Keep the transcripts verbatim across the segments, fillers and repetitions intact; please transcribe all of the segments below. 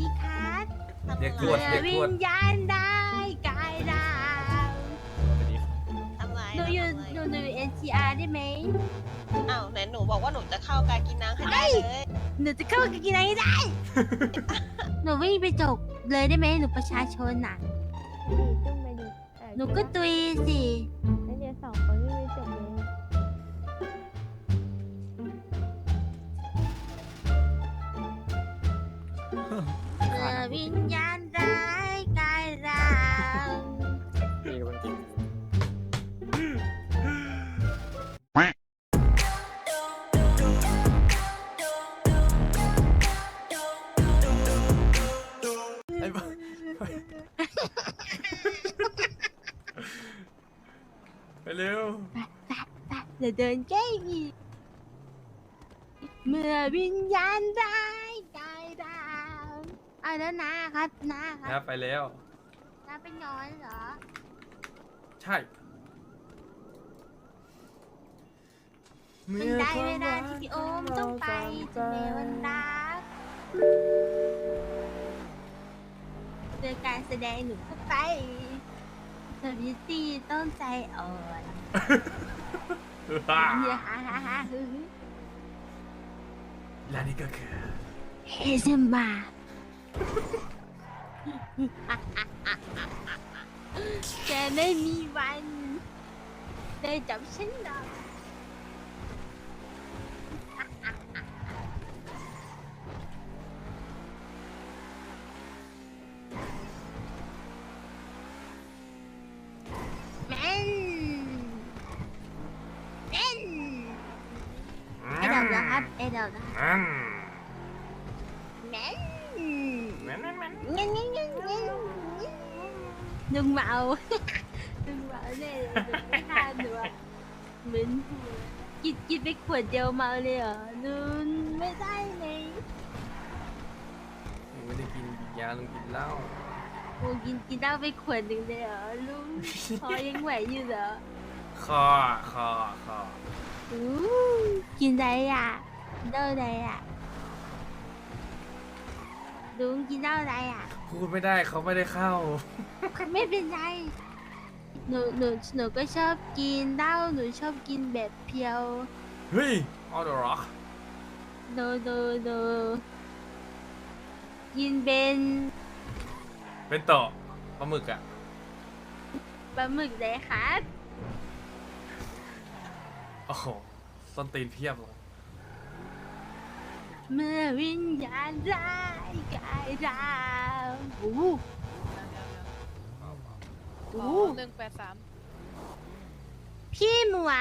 ดีครับเด็กตรวจเด็กวิตรวจญญาณได้กายดาวทำไรหนูอยู่หนูหนูเอ็นทีอาร์ได้ไหมอ้าวไหนหนูบอกว่าหนูจะเข้าการกินน้ำให้ได้เลยหนูจะเข้ากับกินอะไรได้ หนูวิ่งไปจกเลยได้ไหมหนูประชาชนน่ะดิจุ่มไปดิเออหนูก็ตุยสิแล้วเดี๋ยวสองคนวิ่งไปจบเลยเมื่อวิญญาณร้ายกายดาวไอ้บ้าไปเร็วเดี๋ยวเดินแกล้งอีกเมื่อวิญญาณร้ายกายดาวเอาแล้วนะครับนาคนะรับไปแล้วนาเป็นนอนเหรอใช่มันได้เวลาที่พี่โอมต้องไปจะเมวันรักเจอการแสดงหนูก็ไปเธอพิตตี้ต้องใจอ่อนเฮียฮ่าฮ่าฮ่าฮึและนี่ก็คือเฮเซมบาแกไม่มีวันได้จับฉันหรอกแม่นแม่นไอ้ดอกนะครับไอ้ดอกนะอืมแม่นแม่นแม่นแม่นเงี้ยเงี้ยเงี้ยเงี้ยลุงเมาลุงเมาเนี่ยลุงไม่ทานหนูอะเหมือนหัวกินกินไปขวดเดียวเมาเลยเหรอลุงไม่ได้ไหมลุงไม่ได้กินยาลุงกินเหล้าโอ้กินกินเหล้าไปขวดหนึ่งเลยเหรอลุงพอยังไหวอยู่เหรอคอคอคออู้กินอะไรอ่ะกินเหล้าอะไรอ่ะลุงกินเหล้าอะไรอ่ะพูดไม่ได้เขาไม่ได้เข้าไม่เป็นไรหนูหนูหนูก็ชอบกินเหล้าหนูชอบกินแบบเพียวเฮ้ยออเดอร์ร็อกโดโดโดกินเป็นเป็นต่อปลาหมึกอะปลาหมึกเลยครับโอ้โหส้นตีนเพียบเลยเมื่อวิญญาณร้ายกายดาวโอ้โหโอ้โหหนึ่งแปดสามพี่หมวน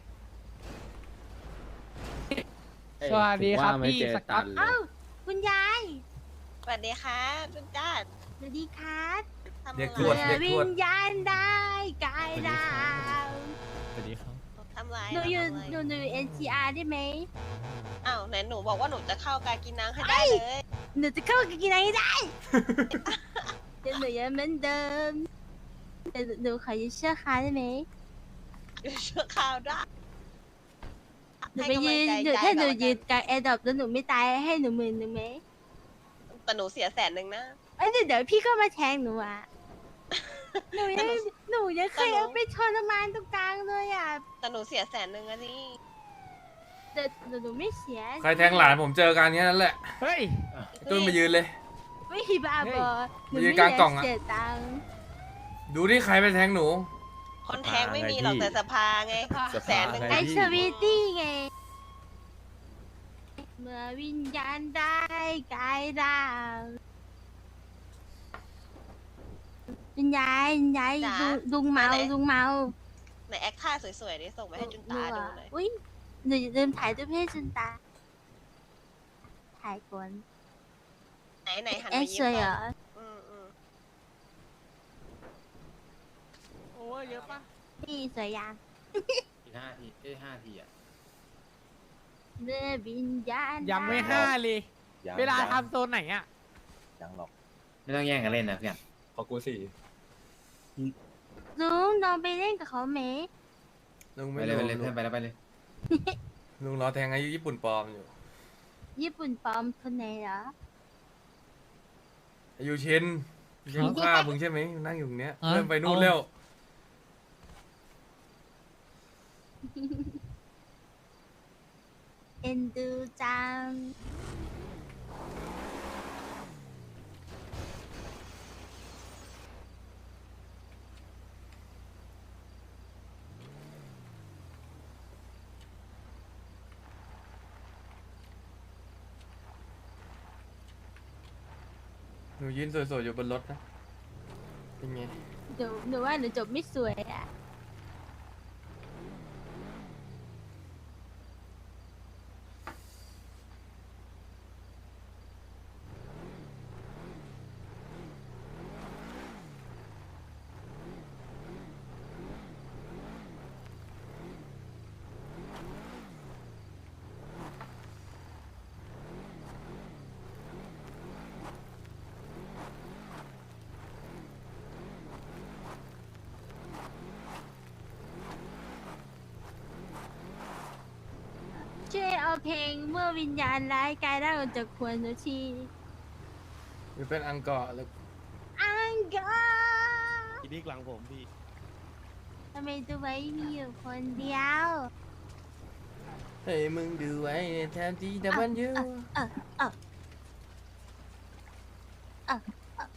สวัสดีครับพี่สกัดเอ้าคุณยายสวัสดีครับจุนจ้าสวัสดีครับทำเด็กตไรรวจเมื่อเด็กวิตรวจญญาณได้กายดาวสวัสดีครับทำไรหนูอยู่ทำไรหนูหนูเอ็นทีอาร์ได้ไหมอ้าวไหนหนูบอกว่าหนูจะเข้าการกินน้ำให้ได้เลยหนูจะเข้ากับกินอะไรได้แต่หนูยังเหมือนเดิมแต่หนูขอยืมเชือกคาได้ไหมเชื่อข่าวได้หนูไปยืนหนูถ้าหนูยืนกลางแอร์ดรอปแล้วหนูไม่ตายให้หนูหมื่นหนึ่งไหมแต่หนูเสียแสนหนึ่งนะเอ้ยเดี๋ยวเดี๋ยวพี่ก็มาแทงหนูอ่ะ หนูยังหนูยังเคยแต่หนูเอาไปทรมานตรงกลางเลยอ่ะแต่หนูเสียแสนหนึ่งอะนี่แต่หนูหนูไม่เสียใครแทงหลานผมเจอกันแค่นั้นแหละเฮ้ยตุ้นมายืนเลยไม่ฮีบาบอหนูยืไม่นกลางกล่องอะเสียตังค์ดูที่ใครไปแทงหนูคนแทงไม่มีหรอกแต่สภาไงสภาแสนหนึ่งไอนะสวีตี้ไง เมื่อวิญญาณได้กายดาววิญญาณวิญญาณลุงลุงเมาลุงเมาในแอคท่าสวยๆนี่ส่งไปให้จุนตาดูหน่อยอุ้ยหนูอย่าลืมถ่ายรูปให้จุนตา ถ่ายก่อนไหนไหนหันเอ๊ะมายิ้สมวยเหรก่ออนอืมอืมโอ้ยเยอะปะนี่สวยยังอีกห้าทีเอ้ยห้าทีอ่ะเมื่อวิญญาณยังไม่ห้าเลยยังเวลายังทำโซนไหนอ่ะยังหรอก ไม่ต้องแย่งกันเล่นนะเพื่อนพอกูสี่ลุงลองไปเล่นกับเขาไหมลุงไปไม่เลยรู้ไปเลยเพื่อนไปแล้วไปเลยลุงรอแทงอายุญี่ปุ่นปลอมอยู่ญี่ปุ่นปลอมคนไหนเหรออยู่ชินไม่ใช่ลูกค้ามึงใช่ไหมนั่งอยู่ตรงเนี้ยอ่ะเริ่มไปนู่นเอาแล้วเอ็นดูจังหนูยืนสวยๆอยู่บนรถนะเป็นไงหนูหนูว่าหนูจบไม่สวยอ่ะ ช่วยเอาเพลงเมื่อวิญญาณร้ายกายร่างออกจากควรหนูทีอยู่เป็นอังกอร์หรืออังกอร์พี่นิกหลังผมพี่ทำไมตัวไว้มีอยู่คนเดียวเฮ้ยมึงดูไว้แทนที่แต่มันอยู่เออเออเออ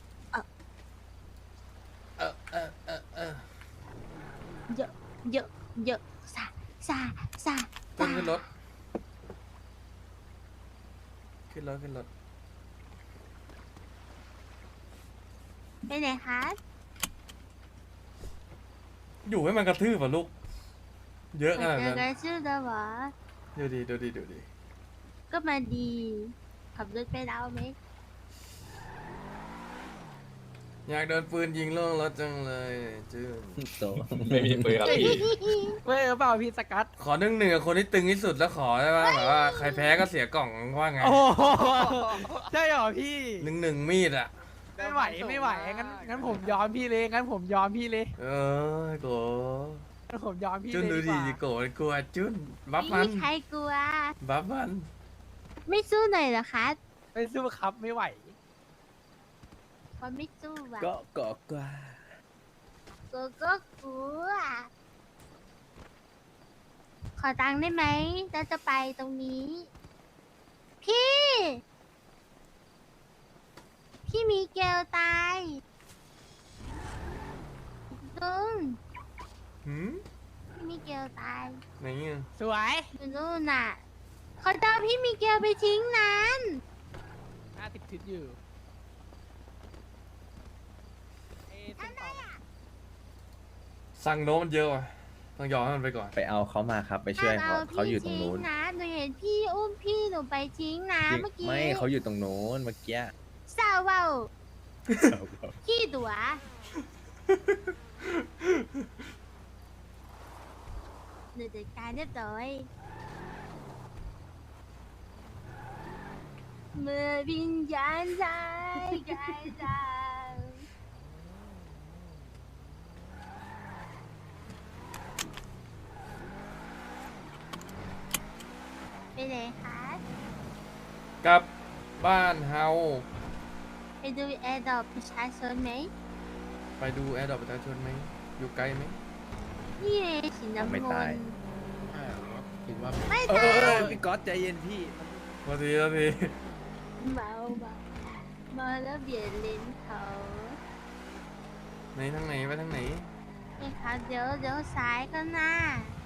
เออเออเออเออเยอะเยอะเยอะซาซาซาขึ้นขึ้นรถขึ้นรถขึ้นรถไปไหนคะอยู่ให้มันกระทืบอ่ะลูกเยอะขมานาดเจอนั้นกันชื่อแล้วเหรอดูดิดูดิดูดิก็มาดี ขับรถไปแล้วไหมอยากโดนปืนยิงล่วงรถจังเลยจื้อโตไม่มีปืนครับพี่เว้ยเปล่าพี่สกัดขอหนึ่งหนึ่งกับคนที่ตึงที่สุดแล้วขอได้ป่ะแบบว่าใครแพ้ก็เสียกล่องว่าไงโอ้โหใช่เหรอพี่หนึ่งหนึ่งมีดอ่ะไม่ไหวไม่ไหวงั้นงั้นผมยอมพี่เลยงั้นผมยอมพี่เลยเออโกงั้นผมยอมพี่จุนเลยดูดีดิกว่าโกกลัวจุนบัฟไม่มันมีใครกลัวบัฟมันไม่สู้หน่อยเหรอคะไม่สู้ครับไม่ไหวเพราะไม่สู้อ่ะก็กอกกว่ากูก็กลัว ขอตังค์ได้ไหมเราจะไปตรงนี้ พี่ พี่มีเกลตายลุงหืมพี่มีเกลตายไหนเงี้ยสวยอยู่นู่นน่ะเขาจะเอาพี่มีเกลไปทิ้งนั้นห้าสิบทิศอยู่เอ๊ะเป็นต่อสั่งโน้มมันเยอะว่ะต้องยอมให้มันไปก่อนไปเอาเขามาครับไปช่วยเขาห้มเขาอยู่ตรงนู้นพี่ทิ้นะหนูเห็นพี่อุ้มพี่หนูไปทิ้งนะเมื่อกี้ไม่เขาอยู่ตรงนู้นเมื่อกี้สาวเวาขี้ตัวหนูจัดการเรียบร้อยเมื่อวิญญาณใจกายจางไปไหนคะกลับบ้านเฮาไปดูแอร์ดรอปประชาชนไหมไปดูแอร์ดรอปประชาชนไหมอยู่ไกลไหมนี่ไงสีน้ำไม่เงิตายนคิดว่าไม่เอตาอเออย พี่ก๊อตใจเย็นพี่พอทีพอทีเมาเมาเมาแล้วเบียดเลนเขาไหนทางไหนไปทางไหนนี่ค่ะเดี๋ยวเดี๋ยวซ้ายก็หน้า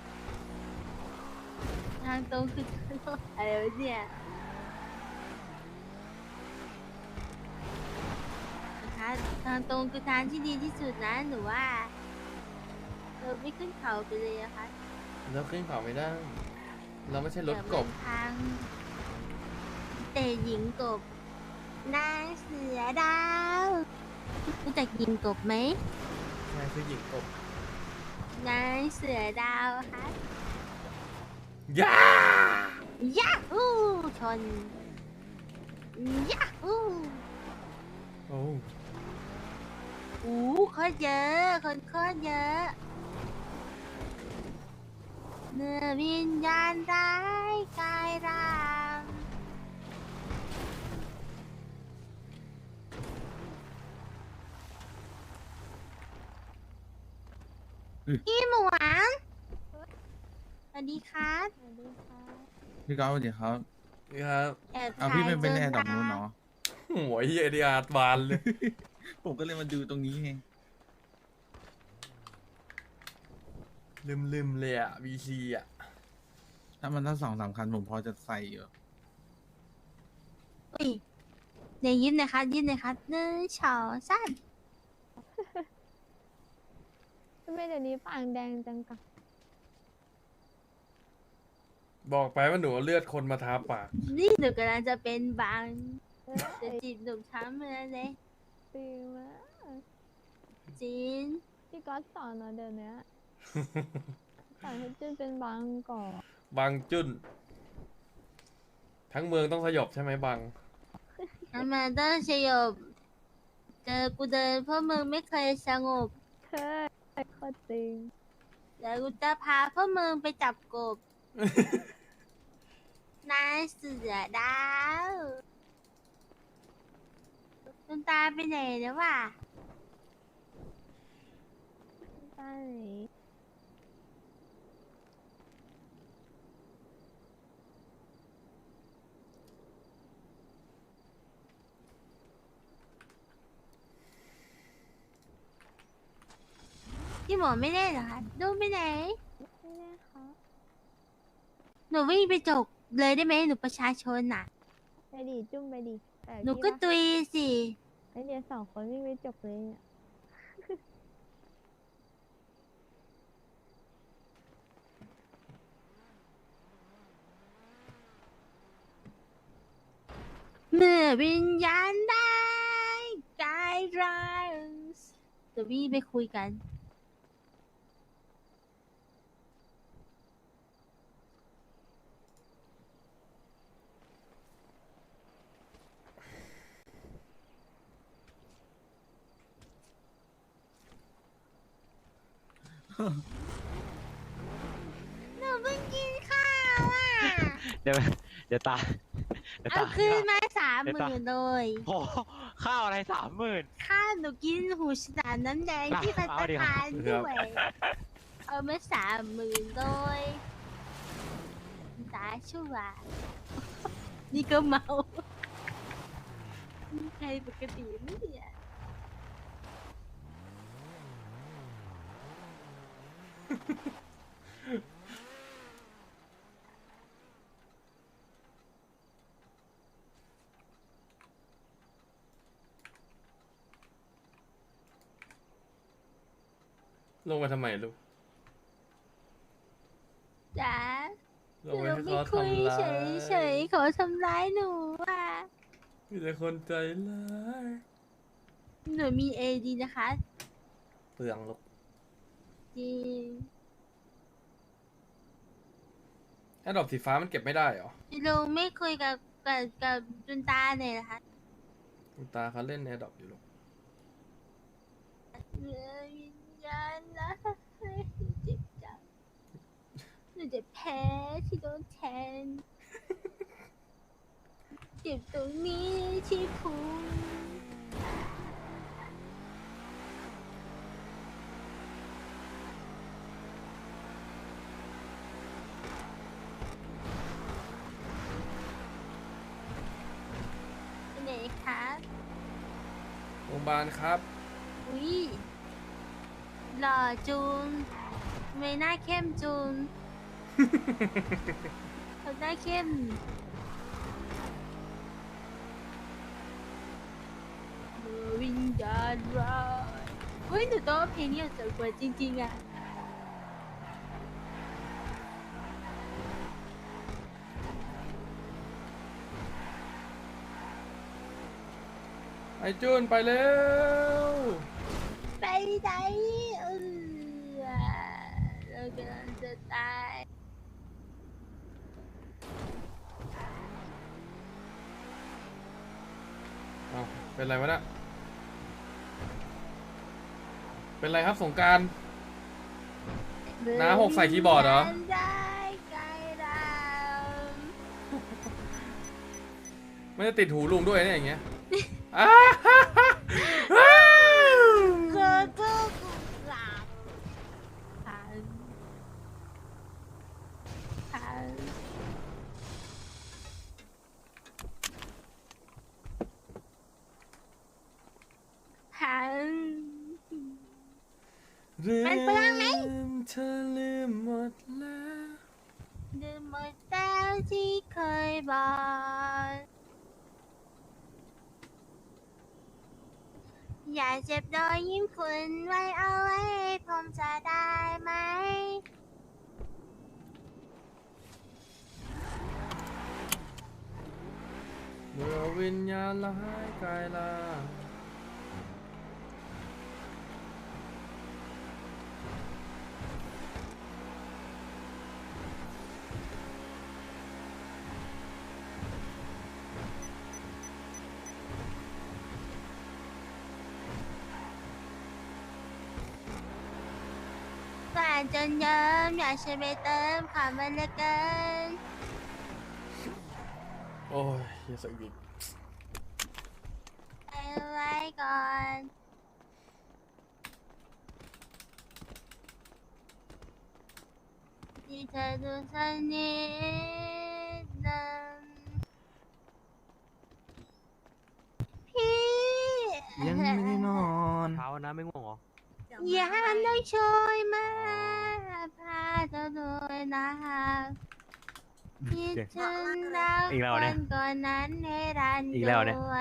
ทางตรงคือทางตรงอะไรวะเนี่ยนะคะทางตรงคือทางที่ดีที่สุดนะหนูว่าเราไม่ขึ้นเขาไปเลยอะคะเราขึ้นเขาไม่ได้ เราไม่ใช่รถกบเดี๋ยวมันทางแต่หญิงกบ นางเสือดาวรู้จักหญิงกบไหมใช่คือหญิงกบนางเสือดาวคะย่ายาฮูชนยาฮูโอ้อู้โคตรเยอะคนโคตรเยอะเมื่อวิญญาณร้ายกายร่างพี่หมวนสวัสดีครับสวัสดีค่ะพี่ก้าวสวัสดีครับนี่ครับแอบเอาพี่เป็นเป็นถ่ายแอร์ดรอปจนู้นเนาะโอ้ยไอเดียบานเลยผมก็เลยมาดูตรงนี้ไงลืมลืมๆเลยอ่ะวีซีอ่ะถ้ามันทั้งสองสามคันผมพอจะใส่อยู่อุ้ยเดี๋ยวยิ้มหนะครับยิ้มหนะครับหนึ่งสองสามทำไมเดี๋ยวนี้ปากแดงจังกะบอกไปว่าหนูเอาเลือดคนมาทาปากนี่หนูกำลังจะเป็นบางเอ้ยจะจีบหนุ่มช้ำเลยเลยจริงมะจีนพี่ก๊อตสอนเหรอเดี๋ยวนี้สอนให้จุนเป็นบางก่อนบางจุนทั้งเมืองต้องสยบใช่ไหมบางทำไมต้องสยบเจอกูเดินเพราะมึงไม่เคยสงบเคยโคตรจริงเดี๋ยวกูจะพาพวกมึงไปจับกบ นายเสือดาวคุณตาไปไหนแล้ววะใช่พี่หมอไม่ได้เหรอคะดูไปไหนไม่ได้ค่ะหนูวิ่งไปจกเลยได้ไหมหนูประชาชนน่ะไปดิจุ้มไปดิแต่หนูพี่ก็ว่าตุยสิไอเดียสองคนวิ่งไปจบเลยเนี่ยเมื่อวิญญาณได้กายร่างเดี๋ยววิ่งไปคุยกัน หนูเพิ่งกินข้าวอ่ะเดี๋ยวเดี๋ยวตาเดี๋ยวเอาตาคืนมาสามเดี๋หยวตามื่นเลยโอ้โหข้าวอะไรสามหมื่นข้าวหนูกินหูฉลามน้ำแดงที่พัตเอาตาดิครับคารด้วย เอามาสามหมื่นเลยตาชั่ว นี่ก็เมานี่ใครปกติไม่เนี่ยลงมาทำไมลูกจ๋าลหงนูไปให้ไม่เขาคุยทำร้าเฉยเฉยยๆเขาทำร้ายหนูอ่ะมีแต่คนใจร้ายหนูมีเอดีนะคะเปลืองลูกจริงแอดดอปสีฟ้ามันเก็บไม่ได้เหรอลุงไม่คุยกับกับกับจุนตาเนี่ยนะคะคุณตาเขาเล่นแอดดอปอยู่ลูกเมื่อวิญญาณนะเจ็บจังหนูจะแพ้ที่โดนแทนเจ็บตรงนี้ที่พุงไปไหนคะโรงพยาบาลครับอุ้ยหล่อจูนไม่หน้าเข้มจูน เขาหน้าเข้มเมื่อวิญญาณร้ายเฮ้ยหนูต้องเอาเพลงนี้ออกจากหัวจริงๆอ่ะไอจุนไปเร็วไปไหนเออเรากำลังจะตายเอาเป็นไรวะเนะเป็นไรครับสงกราร น้าหกใส่คีย์บอร์ดเหรอได้ไกลดาวไม่ได้ติดหูลุงด้วยเนี่ยอย่างเงี้ยเธอก็กุหลาบเรื่มันเปลืองไหมเธอลืมหมดแล้วลืมหมดแล้วที่เคยบอก อย่าเจ็บรอยยิ้มคุณไว้เอาไว้ผมจะได้ไหมเมื่อวิญญาณละหายกายลากว่าจนเยิ้มอยากช่วยไปเติมความมันเหลือเกินโอ้ยเฮียสักอีกเอาไว้ก่อน ที่เธอดูสักนิดนึงพี่ยังไม่ได้นอนเช้านะไม่ง่วงเหรออย่าต้องช่วยมาพาเธอด้วยนะครับคิดถึงเราอีกแล้วคเนี่ยนก่อนนั้นให้รันอีกแล้วเนี่ยด้วย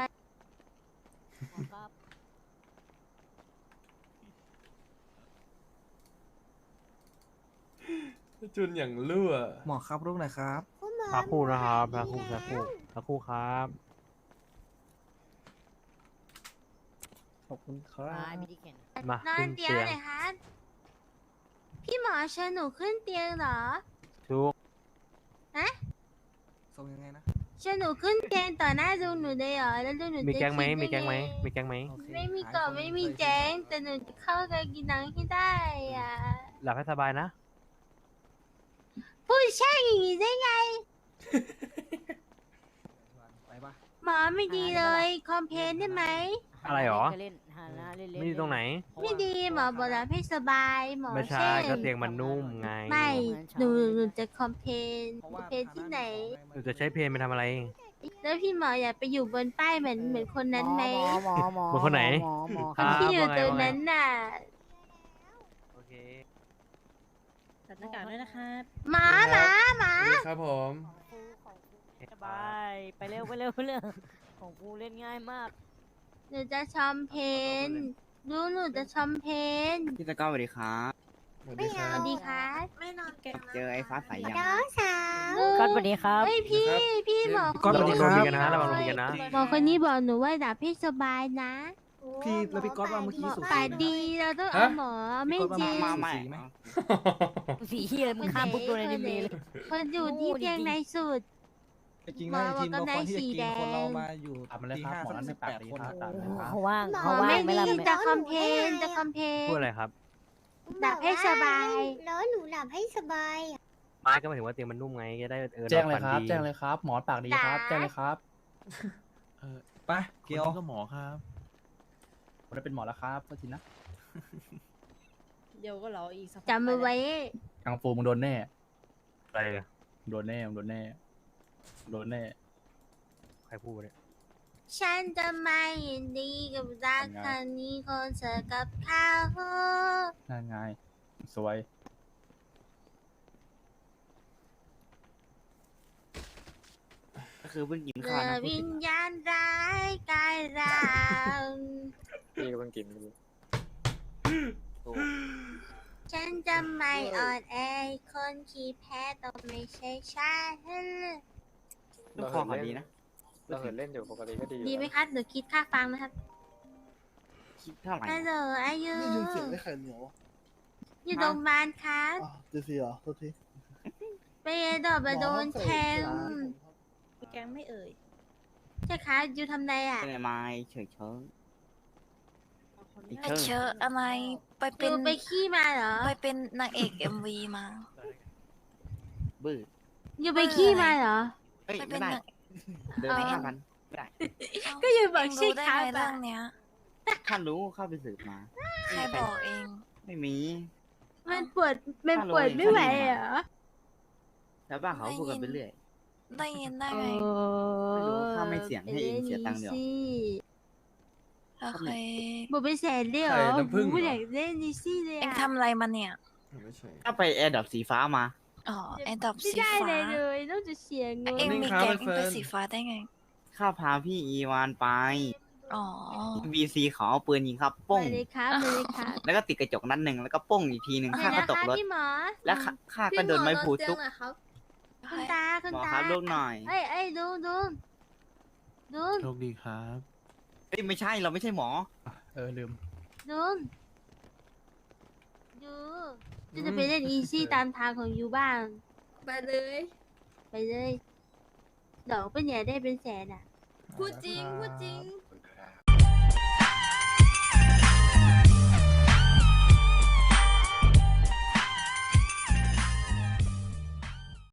จุนอย่างรั่วหมอครับลูกหน่อยครับพักคู่นะครับพักคู่พักคู่พักคู่ครับขอบคุณครับมานอขึ้นนเตียเตีงยงเลยคะพี่หมอเชิญหนูขึ้นเตียงเหรอทุกส่งยังไงนะเชิญหนูขึ้นเตียงต่อหน้าลุงหนูเลยเหรอแล้วลุงหนูมีจะแก๊งไหมคิดมีแก๊งไหมยังงมีแก๊งไหมโอเคไม่มีหายก่อคนไม่มีเคยแจ้งแต่หนูจะเข้ากับกินนังให้ได้อ่ะหลับให้สบายนะพูดแช่งอย่างนี้ได้ไงไปปะหมอไม่ดีเลยคอมเพลนได้ไหมอะไรหรอเล่นหานะเล่นไม่ดีตรงไหนไม่ดีหมอบอกแล้วให้สบายหมอไม่ใช่แช่งก็เตียงมันนุ่มไงไม่หนูหนูจะคอมเพลนเพราะคอว่ามเพลนที่ไหนหนูจะใช้เพลงไปทำอะไรแล้วพี่หมออยากไปอยู่บนป้ายเหมือนเหมือนคนนั้นไหมหมอหมอเหมือนคนไหนหมอหมอคนที่อยู่ว่าไงตรงว่าไงนั้นน่ะโอเคตัดหน้ากากด้วยนะครับหมาหมาหมาสวัสดีครับผมสบายไปเร็วไปเร็วไปเร็วของกูเล่นง่ายมากหนูจะชอมเพนรู้หนูจะชอมเพนพี่ตะก้าสวัสดีครับสวัสดีคสรับวัสดีค่ะเจอไอ้ฟ้าใสยังน้องสาวก็สวัสดีครับเฮ้ยพี่พี่หมอก๊อตระสวัวัสงดีโดคน รับมีกันนะระวังโดนมีกันนะหมอคนนี้บอกหนูว่าดับให้สบายนะพี่แล้วพี่ก๊อตว่าเมื่อกี้สุดป่าดีเราต้องเอาหมอไม่จริงมาใหม่ไหมสีเฮียมึงข้ามปุ๊บโดนในนี้เลยคนอยู่ที่เตียงในสุดจริงนะทีมเราคนที่จะกินคนเรามาอยู่ตีห้าสักสิบแปดคนเขาว่างหมเขาอว่างไม่ไม่ละดีไม่จะคอมเพนจะคอมเพนพูดอะไรครับดับให้สบายแล้วหนูหลับให้สบายอะไม่ก็หมายถึงว่าเตียงมันนุ่มไงจะได้เออแจ้งเลยครับนอนฝันดีแจ้งเลยครับ หมอปากดีครับ แจ้งเลยครับไปเกียวก็หมอครับผมได้เป็นหมอแล้วครับโทษทีนะเดี๋ยวก็รออีกสักจำเอาไว้กังฟูมึงโดนแน่อะไรอะมึงโดนแน่มึงโดนแน่มึงโดนแน่ใครพูดเนี่ยฉันจะไม่ยินดีกับรักครั้งนี้คนเธอกับเขาน่าไงสวยก็คือเพิ่งกินเมื่ข้าวอนะพูดวิถึญงญาณร้ายกายร่างพี่ก็เพิ่งกินฉันจะไม่อ่อนแอคนขี้แพ้ต้องไม่ใช่ฉันลูกคอเขาดีนะเราเห็นเล่นอยู่ปกติก็ดีดีไหมครับหนูคิดค่าฟังนะครับคิดเท่าไหร่ฮัลโหลอายุได้ยินเสียงไม่ไข่เหนียวอยู่โรงพยาบาลครับอ่ะเจสีเหรอโทษทีไปดอกมาโดนแทงแกงไม่เอ่ยใช่ครับอยู่ทำไรอ่ะเป็นไม้เฉยเชิงไปเชออะไร ไปอเป็นยู่ไปขี้มาเหรอไปเป็นนางเอกเอ็มวีมาบื้ออยู่ไปขี้มาเหรอเฮ้ยไปเป็ไม่นได้นางเดินไปห้าพันไม่ได้ก็อยู่บอกเงใช่รู้ได้ครับไงอะเรื่องเนี้ยท่านรู้เข้าไปสืบมาใครบอกเองไม่มีมันปวดมันปวดไม่ไหวเหรอชาวบ้านเขาพูดกันไปเรื่อยได้ยินได้ไงไม่รู้ข้าไม่เสียงให้เองเสียตังค์เดียวสิแล้วโอเคหมดไปแสนเลยเหรอไข่น้ำผึ้งเหรอโอ้โหอยากเล่นนิซี่เลยเอ็งอะทำอะไรมาเนี่ยไม่ใช่ก็ไปแอร์ดับสีฟ้ามาอ๋อไอ้ดอกไม่สีได้ฟ้าเลยเลยนอกจากเสียเงินเอ็งนี่มีครับแก๊งเฟิร์นเป็นสีฟ้าได้ไงข้าพาพี่อีวานไปอ๋อบีซีเขาเอาปืนยิงครับป้งไปเลยครับไปเลยครับแล้วก็ติดกระจกนัดหนึ่งแล้วก็ป้งอีกทีหนึ่งไปข้าก็นะตกคะรถพี่หมอแล้วข้าข้าก็โดนไม้ผูทุบคุณตาคุณหมอตาครับลูกหน่อยเอ้ยเอ้ยดูดูดูโชคดีครับเอ้ยไม่ใช่เราไม่ใช่หมอเออลืมดูดูจะจะไปเล่นอีซี่ตามทางของยูบ้างไปเลยไปเลยดอกเป็นใหญ่ได้เป็นแสนอ่ะพูดจริงพูดจริง